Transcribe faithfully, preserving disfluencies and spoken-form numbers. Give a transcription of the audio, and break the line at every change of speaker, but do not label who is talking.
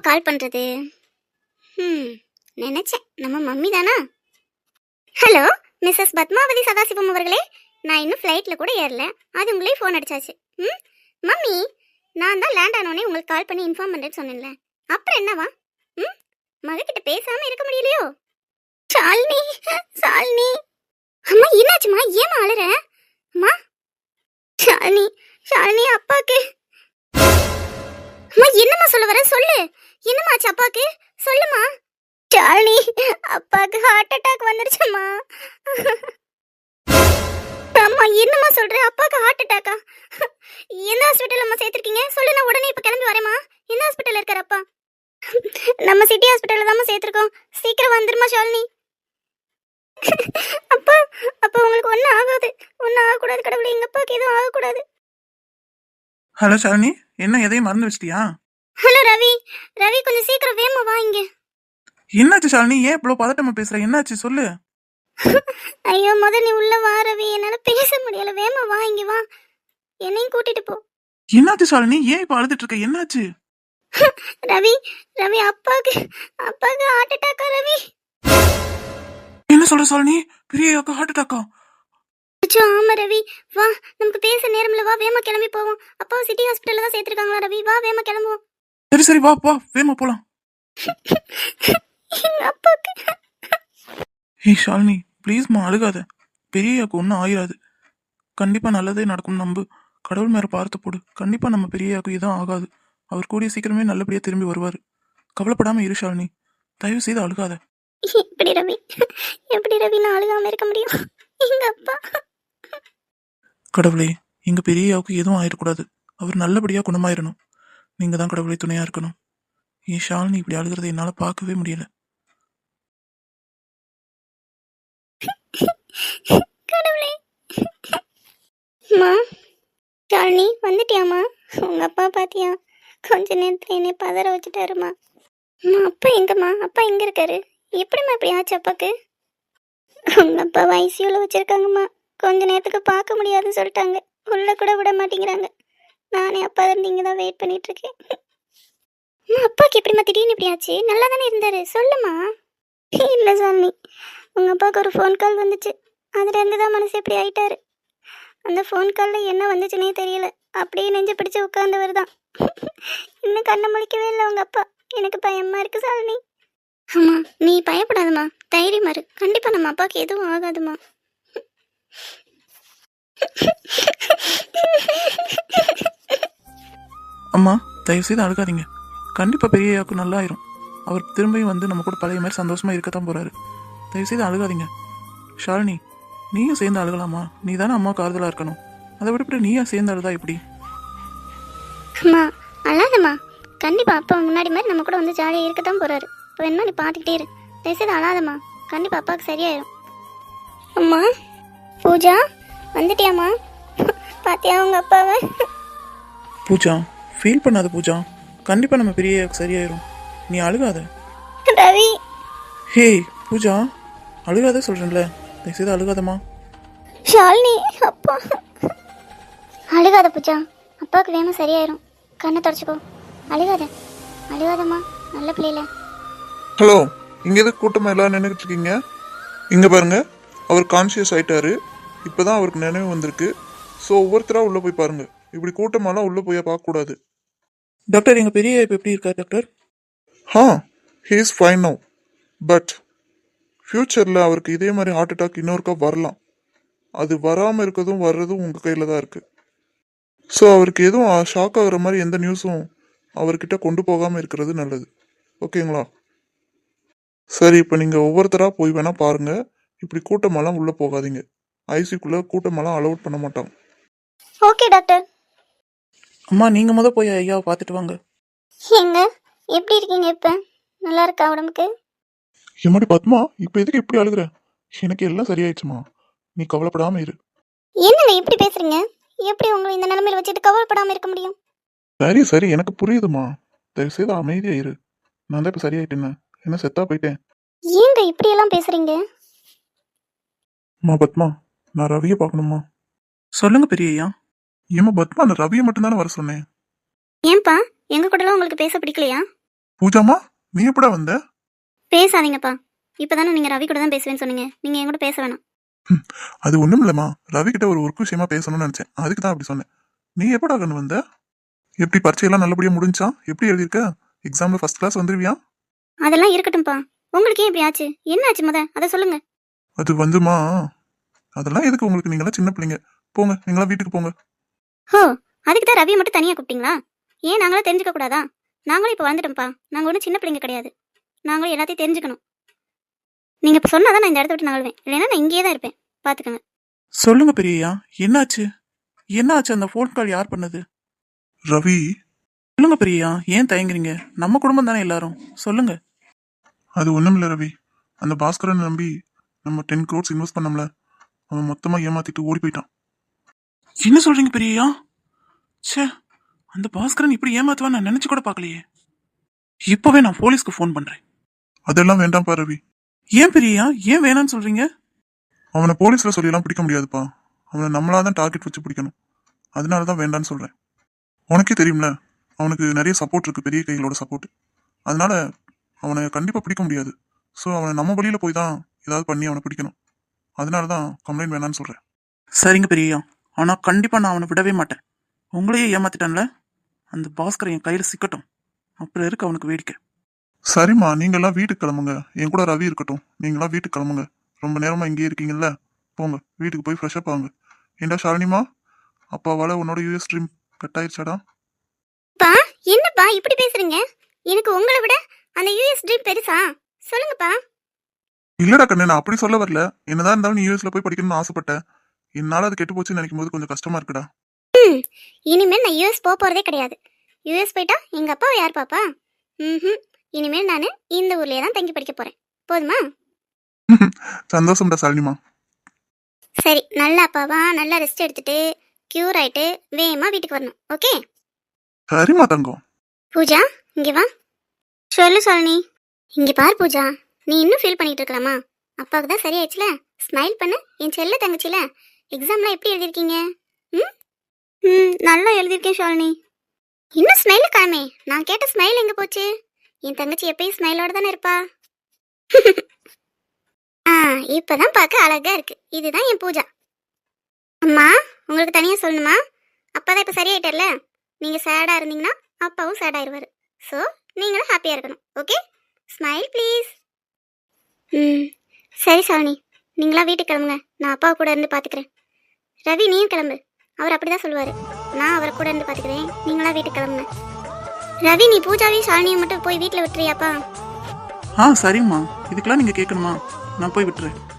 கால் பண்ணுறது? ம் நினச்சேன், நம்ம மம்மி தானா? ஹலோ மிஸ்ஸஸ் பத்மாவதி சதாசிவம் அவர்களே, நான் இன்னும் ஃப்ளைட்டில் கூட ஏறல, அது உங்களே ஃபோன் அடிச்சாச்சு. ம் மம்மி, நான் தான் லேண்ட் ஆனோடனே உங்களுக்கு கால் பண்ணி இன்ஃபார்ம் பண்ணுறேன்னு சொன்னேன்ல, அப்புறம் என்னவா? ம் மகக்கிட்ட பேசாமல் இருக்க முடியலையோ? ஷாலினி, ஷாலினி. அம்மா என்னாச்சுமா, ஏமா அழுற? அம்மா ஷாலினி, ஷாலினி அப்பாக்கு. அம்மா என்னம்மா சொல்ல வர, சொல்லு. என்னம்மா ஆச்சு அப்பாக்கு, சொல்லுமா. ஷாலினி, அப்பாக்கு ஹார்ட் அட்டாக் வந்துருச்சுமா. அம்மா என்னம்மா சொல்ற, அப்பாக்கு ஹார்ட் அட்டாக்கா? எந்த ஹாஸ்பிட்டல் அம்மா சேர்த்துருக்கீங்க, சொல்லு, நான் உடனே இப்போ கிளம்பி வரேம்மா. எந்த ஹாஸ்பிட்டல் இருக்கார் அப்பா? நம்ம சிட்டி ஹாஸ்பிட்டலில் தாம்மா சேர்த்துருக்கோம், சீக்கிரம் வந்துருமா ஷாலினி. அப்பா, அப்பா உங்களுக்கு ஒன்றும் ஆகாது, ஒன்றும் ஆகக்கூடாது கடவுளே, எங்கள் அப்பாவுக்கு எதுவும் ஆகக்கூடாது.
ஹலோ ஷாலினி, என்ன எதையும் மறந்து வச்சிட்டியா?
ஹலோ ரவி, ரவி கொஞ்சம் சீக்கிரம் வேமா வா இங்க.
என்னாச்சு ஷாலினி, ஏன் இவ்வளோ பதட்டமா பேசுற, என்னாச்சு சொல்லு.
ஐயோ முத நீ உள்ள வா ரவி, என்னால பேச முடியல, வேமா வா இங்க வா, என்னையும் கூட்டிட்டு போ.
என்னாச்சு ஷாலினி, ஏன் இப்ப அழுதுட்டு இருக்க, என்னாச்சு?
ரவி, ரவி அப்பாக்கு, அப்பாக்கு ஹார்ட் அட்டாக்கா ரவி?
என்ன சொல்ற ஷாலினி, பெரிய ஹார்ட் அட்டாக்கா?
அச்சோ ஆமா ரவி, வா நமக்கு பேச நேரம்ல, வா வேமா கிளம்பி போவோம். அப்பா சிட்டி ஹாஸ்பிட்டல்ல தான் சேர்த்திருக்காங்களா ரவி, வா வேமா கிளம்புவோம்.
சரி சரி வா வா வேமா போலாம்.
எங்க அப்பாக்கு.
ஏய் ஷாலினி ப்ளீஸ்மா அழுகாத, பெரியாக்கு ஒன்றும் ஆயிராது, கண்டிப்பா நல்லதே நடக்கும், நம்பு, கடவுள் மேல பார்த்து போடு, கண்டிப்பா நம்ம பெரியாக்கு எதுவும் ஆகாது, அவர் கூடிய சீக்கிரமே நல்லபடியா திரும்பி வருவார், கவலைப்படாம இரு ஷாலினி, தயவு செய்து அழுகாத.
எப்படி ரவி, எப்படி ரவி நான் அழுகாம இருக்க முடியும், எங்க அப்பா.
கடவுளே, எங்க பெரியாவுக்கு எதுவும் ஆயிடக்கூடாது, அவர் நல்லபடியா குணமாயிரணும், நீங்க தான் கடவுளை துணையா இருக்கணும். ஏன் ஷாலினி இப்படி அழுகிறத என்னால பார்க்கவே முடியல.
கடவுளே. அம்மா ஷாலினி வந்துட்டியாம்மா, உங்க அப்பா பாத்தியா, கொஞ்ச நேரத்துல என்னை பதற வச்சுட்டாருமா. அம்மா அப்பா எங்கம்மா, அப்பா எங்க இருக்காரு, எப்படிம்மா இப்படி ஆச்சு அப்பாக்கு? உங்க அப்பா ஐசியூல வச்சிருக்காங்கம்மா, கொஞ்ச நேரத்துக்கு பார்க்க முடியாதுன்னு சொல்லிட்டாங்க, உள்ள கூட விட மாட்டேங்கிறாங்க, நானே அப்பா இருந்து இங்கே தான் வெயிட் பண்ணிட்டு இருக்கேன். அம்மா அப்பாக்கு எப்படிம்மா திடீர்னு இப்படி ஆச்சு, நல்லா தானே இருந்தாரு, சொல்லுமா. இல்லை சாமி, உங்கள் அப்பாவுக்கு ஒரு ஃபோன் கால் வந்துச்சு, அதுலேருந்து தான் மனசு எப்படி ஆயிட்டாரு. அந்த ஃபோன் காலில் என்ன வந்துச்சுன்னே தெரியல, அப்படியே நெஞ்சு பிடிச்சி உட்காந்தவர் தான், இன்னும் கண்ணை முழிக்கவே இல்லை உங்கள் அப்பா, எனக்கு பயமாக இருக்குது சாலினி. ஆமாம் நீ பயப்படாதம்மா, தைரியமா இரு, கண்டிப்பாக நம்ம அப்பாவுக்கு எதுவும் ஆகாதுமா.
அம்மா தயவு செய்து அழுகாதீங்க, கண்டிப்பா பெரியாக்கு நல்லா ஆயிரும், அவர் திரும்பியும் வந்து நம்ம கூட பழைய மாதிரி சந்தோஷமா இருக்கத்தான் போறாரு, தயவு செய்து அழுகாதீங்க. ஷாலினி நீயும் சேர்ந்து அழுகலாமா, நீ தானே அம்மாவுக்கு ஆறுதலா இருக்கணும், அதை விட்டு நீயா சேர்ந்து அழுதா எப்படி?
அம்மா அழாதம்மா, கண்டிப்பாக அப்பா முன்னாடி மாதிரி நம்ம கூட வந்து ஜாலியாக இருக்கத்தான் போகிறாரு, இப்போ வேணுமா நீ பார்த்துக்கிட்டே இரு, தயவுசெய்து அழாதம்மா, கண்டிப்பாக அப்பாவுக்கு சரியாயிரும். அம்மா பூஜா வந்துட்டியாம்மா, பாத்தியா உங்கள் அப்பாவை?
பூஜா ஃபீல் பண்ணாத பூஜா, கண்டிப்பா நம்ம பெரியாக்கு சரியாயிரும், நீ அழுகாத.
ரவி.
ஹே பூஜா அழுகாத சொல்றேன்ல, தயவு செய்து அழுகாதம்மா.
ஷாலினி அப்பா. அழுகாத பூஜா, அப்பாவுக்கு வேணும் சரியாயிரும், கண்ணை தொடச்சிக்கோ, அழுகாத, அழுகாதம்மா, நல்ல பிள்ளைல.
ஹலோ, இங்கே எதுக்கு கூட்டமாக எல்லாம் நின்றுக்கிட்டு இருக்கீங்க? இங்கே பாருங்க, அவர் கான்ஷியஸ் ஆயிட்டாரு, இப்போதான் அவருக்கு நினைவு வந்திருக்கு, ஸோ ஒவ்வொருத்தராக உள்ளே போய் பாருங்க, இப்படி கூட்டமெல்லாம் உள்ளே போய் பார்க்கக்கூடாது.
டாக்டர் எங்க பெரிய இப்போ எப்படி இருக்கார் டாக்டர்?
ஹா, he is fine now, but ஃப்யூச்சரில் அவருக்கு இதே மாதிரி ஹார்ட் அட்டாக் இன்னொருக்கா வரலாம், அது வராமல் இருக்கிறதும் வர்றதும் உங்கள் கையில் தான் இருக்குது. ஸோ அவருக்கு எதுவும் ஷாக் ஆகுற மாதிரி எந்த நியூஸும் அவர்கிட்ட கொண்டு போகாமல் இருக்கிறது நல்லது, ஓகேங்களா? சரி, இப்போ நீங்கள் ஒவ்வொருத்தராக போய் வேணால் பாருங்கள், இப்படி கூட்டமெல்லாம் உள்ளே போகாதீங்க, ஐசிக்குள்ளே கூட்டமெல்லாம் அலோட் பண்ண மாட்டாங்க.
Okay doctor.
அம்மா நீங்க முத போய் ஐயாவை பார்த்துட்டு வாங்க.
எங்க எப்படி இருக்கீங்க இப்போ, நல்லா இருக்கா உடம்புக்கு?
எம்மாடி பத்மா, இப்போ எதுக்கு இப்படி அழுகுற, எனக்கு எல்லாம் சரியாயிடுச்சுமா, நீ கவலைப்படாமல் இரு.
என்னங்க இப்படி பேசுறீங்க, எப்படி உங்களை இந்த நிலைமையில வச்சுட்டு கவலைப்படாமல் இருக்க முடியும்?
சரி சரி எனக்கு புரியுதுமா, தயவு செய்து அமைதியா இரு, நான் தான் இப்போ சரியாயிட்டேன்னு, என்ன செத்தா போயிட்டேன்.
ஏங்க இப்படி எல்லாம் பேசுறீங்க?
அம்மா பத்மா, நான் ரவியை பார்க்கணுமா?
சொல்லுங்க பெரிய ஐயா.
ஏமா பத்மா, நான் ரவியை மட்டும்தானே வர சொன்னேன்.
ஏன்பா எங்க கூடலாம் உங்களுக்கு பேச பிடிக்கலையா?
பூஜாமா நீ எப்படா வந்த?
பேசாதீங்கப்பா. இப்பதானே நீங்க ரவி கூட தான் பேசுவேன்னு சொன்னீங்க. நீங்க என் கூட பேச வேணாம்.
அது ஒண்ணும் இல்லம்மா, ரவி கிட்ட ஒரு ஒர்க் விஷயமா பேசணும்னு நினைச்சேன், அதுக்கு தான் அப்படி சொன்னேன். நீ எப்படா கண்ணு வந்த? எப்படி பரீட்சையெல்லாம் நல்லபடியா முடிஞ்சா? எப்படி எழுதியிருக்க? எக்ஸாம்ல ஃபர்ஸ்ட் கிளாஸ் வந்துருவியா?
அதெல்லாம் இருக்கட்டும்ப்பா. உங்களுக்கு ஏன் இப்படி ஆச்சு? என்ன ஆச்சு முத அதை சொல்லுங்க.
அது வந்துமா, அதெல்லாம் எதுக்கு உங்களுக்கு? நீங்களாம் சின்ன பிள்ளைங்க, போங்க நீங்களாம் வீட்டுக்கு போங்க.
ஹோ, அதுக்கு தான் ரவியை மட்டும் தனியா கூப்பிட்டீங்களா? ஏன் நாங்களும் தெரிஞ்சுக்க கூடாதா? நாங்களும் இப்போ வளர்ந்துட்டோம்ப்பா. நாங்கள் ஒன்றும் சின்ன பிள்ளைங்க கிடையாது. நாங்களும் எல்லாத்தையும் தெரிஞ்சுக்கணும். நீங்கள் இப்போ சொன்னாதான் நான் இந்த இடத்த விட்டு நகழ்வேன். இல்லைன்னா நான் இங்கேயே தான் இருப்பேன். பார்த்துக்கோங்க.
சொல்லுங்க பெரியய்யா, என்னாச்சு? என்னாச்சு? அந்த ஃபோன் கால் யார் பண்ணது?
ரவி,
சொல்லுங்க பெரியய்யா, ஏன் தயங்குறீங்க? நம்ம குடும்பம் தானே எல்லாரும், சொல்லுங்க.
அது ஒண்ணும் இல்ல ரவி, அந்த பாஸ்கரன் நம்பி நம்ம டென் க்ரோட்ஸ் இன்வெஸ்ட் பண்ணோம்ல, அவன் மொத்தமா ஏமாத்திட்டு ஓடி போயிட்டான்.
என்ன சொல்றீங்க பெரியய்யா? ச்சே, அந்த பாஸ்கரன் இப்படி ஏமாத்துவான்னு நான் நினைச்சு கூட பார்க்கலையே. இப்பவே நான் போலீஸ்க்கு ஃபோன் பண்றேன்.
அதெல்லாம் வேண்டாம்ப்பா ரவி.
ஏன் பெரியய்யா, ஏன் வேணான்னு சொல்றீங்க?
அவனை போலீஸ்ல சொல்லியெல்லாம் பிடிக்க முடியாதுப்பா. அவனை நம்மளாதான் டார்கெட் வச்சு பிடிக்கணும். அதனால தான் வேண்டான்னு சொல்றேன். உனக்கே தெரியும்ல, அவனுக்கு நிறைய சப்போர்ட் இருக்கு, பெரிய கைகளோட சப்போர்ட். அதனால அவனை கண்டிப்பா பிடிக்க முடியாது. ஸோ அவனை நம்ம வழியில போய் தான் ஏதாவது பண்ணி அவனை பிடிக்கணும். அதனால தான் கம்ப்ளைண்ட் வேணான்னு சொல்றேன்.
சரிங்க பெரியய்யா, ஆனா கண்டிப்பா நான் அவனை விடவே மாட்டேன். உங்களையே ஏமாத்திட்டான்ல, அந்த பாஸ்கரன் என் கையில சிக்கட்டும், அப்புறம் இருக்கு அவனுக்கு வேடிக்கை.
சரிம்மா, நீங்கெல்லாம் வீட்டுக்கு கிளம்புங்க. என் கூட ரவி இருக்கட்டும், நீங்களாம் வீட்டுக்கு கிளம்புங்க. ரொம்ப நேரமா இங்கேயே இருக்கீங்கல்ல, போங்க வீட்டுக்கு போய் ஃப்ரெஷ்அப் ஆகுங்க. ஏண்டா ஷாலினிமா, அப்பாவால உன்னோட யூஎஸ் ட்ரீம் கட் ஆயிடுச்சாடா?
பா, என்னப்பா இப்படி பேசுறீங்க? எனக்கு உங்களை விட அந்த யூஎஸ் ட்ரீம் பெருசா? சொல்லுங்கப்பா.
இல்லடா கண்ணு, நான் அப்படி சொல்ல வரல. என்னதான் இருந்தாலும் நீ யூஎஸ்ல போய் படிக்கணும்னு ஆசைப்பட்டேன். என்னால அது கெட்டு போச்சுன்னு நினைக்கும் போது கொஞ்சம் கஷ்டமா இருக்குடா.
ம், இனிமேல் நான் யூஎஸ் போக போறதே கிடையாது. யூஎஸ் போயிட்டா எங்க அப்பாவை யார் பாப்பா? ம், இனிமேல் நான் இந்த ஊர்லயே தான் தங்கி படிக்க போறேன். போதுமா?
சந்தோஷம்டா ஷாலினிமா.
சரி, நல்ல அப்பாவா நல்லா ரெஸ்ட் எடுத்துட்டு கியூர் ஆயிட்டு வேகமா வீட்டுக்கு வரணும். ஓகே?
சரிம்மா தங்கம்.
பூஜா, இங்க வா. சொல்லு சாலினி. இங்க பார் பூஜா, நீ இன்னும் ஃபீல் பண்ணிட்டு இருக்கலாமா? அப்பாவுக்கு தான் சரியாயிடுச்சுல. ஸ்மைல் பண்ணு, என் செல்ல தங்கச்சில. எக்ஸாம்லாம் எப்படி எழுதிருக்கீங்க? ம் ம் நல்லா எழுதிருக்கேன் ஷாலினி. இன்னும் ஸ்மைல் காமே. நான் கேட்ட ஸ்மைல் எங்க போச்சு? என் தங்கச்சி எப்பயும் ஸ்மைலோட தானே இருப்பா. ஆ, இப்பதான் பார்க்க அழகா இருக்கு. இதுதான் என் பூஜா. அம்மா, உங்களுக்கு தனியா சொல்லணுமா? அப்பா தான் இப்ப சரியாயிட்டார்ல. நீங்க சேடா இருந்தீங்கன்னா அப்பாவும் சேட் ஆயிடுவாரு. ஸோ நீங்களும் ஹாப்பியா இருக்கணும். ஓகே? Smile please. ம் சரி சாலினி, நீங்களா வீட்டுக்கு கிளம்புங்க. நான் அப்பா கூட இருந்து பார்த்துக்கிறேன். ரவி நீயும் கிளம்பு. அவர் அப்படிதான் சொல்லுவார். நான் அவரை கூட இருந்து பார்த்துக்கிறேன். நீங்களா வீட்டுக்கு கிளம்புங்க. ரவி, நீ பூஜாவையும் ஷாலினியை மட்டும் போய் வீட்டில் விட்டுறியாப்பா?
ஆ சரிம்மா, இதுக்கெல்லாம் நீங்க கேட்கணுமா? நான் போய் விட்டுறேன்.